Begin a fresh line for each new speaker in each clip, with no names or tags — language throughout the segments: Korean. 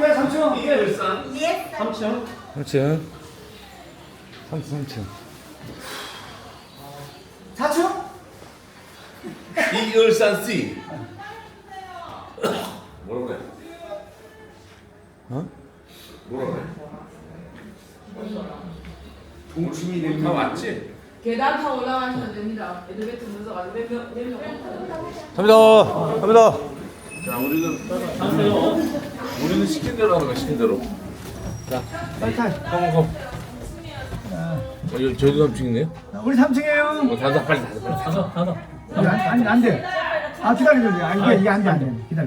왜 3층?
이게 일산.
예.
3층.
3층. 3층.
4층?
이 일산 C. 뭐라고 그래?
어?
뭐라고 그래?
동치미
다 왔지?
계단 타고 올라가시면 됩니다. 엘리베이터 문서가 몇 명?
갑니다.
자, 우리는 시킨 대로 하는 거야, 시킨 대로.
빨리 타.
컴. 여기 저희도 3층이네요.
우리 3층이에요.
닫아, 빨리 닫아.
아니, 안 돼. 아, 기다려. 아, 이게 안 돼. 기다려.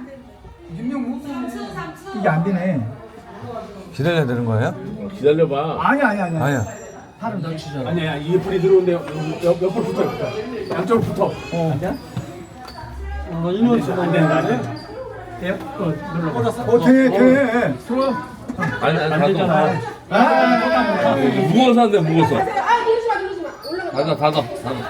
이게 안 되네.
기다려야 되는 거예요?
기다려봐.
아니야.
아니야.
팔은 더 치잖아.
아니야, 이게 불이 들어오는데 옆으로 붙어. 양쪽으로 붙어.
아니야?
이놈 쓰면 안 된다. 돼요? 눌러.
돼.
아니,
안 되잖아.
무거워서 안 돼, 무거워서.
아, 그러지 마. 올라가.
닫아.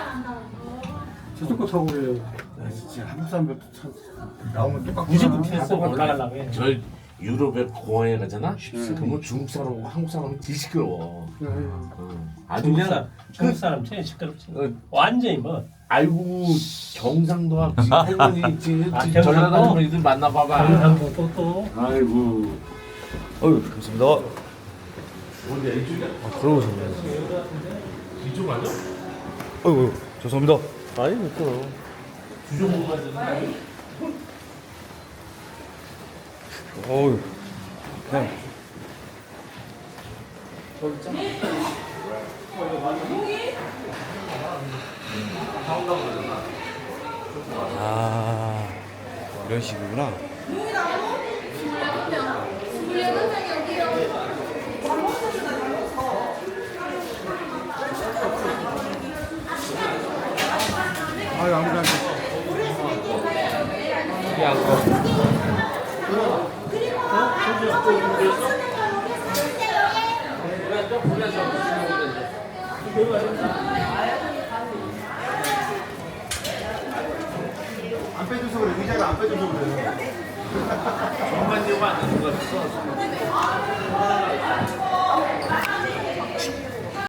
저쪽 거 타고 그래요. 진짜 한국 사람들도 참 나오면 똑같고. 무조건 피했어. 올라가려고 해.
저 유럽에 공항에 가잖아? 그러면 중국 사람하고 한국 사람은 더 시끄러워. 아주
중국
그냥
사람, 중국 사람 제일 시끄럽지.
어,
완전히 뭐
아이고 경상도 앞지 할머니
경상도?
전라도 할머니들 만나봐봐.
경상도 또
아이고.
어휴, 감사합니다.
어디 이쪽이야?
들어오셨네요.
이쪽 아니야?
어휴, 죄송합니다.
아니 또
주종국 가잖아.
어휴. 그냥. 아, 이런 식이구나.
아유, 아무도 안 돼. 안 빼줘서 그래. 의자가 안 빼줘서 그래.
정말 이거 안 되는 거 같았어.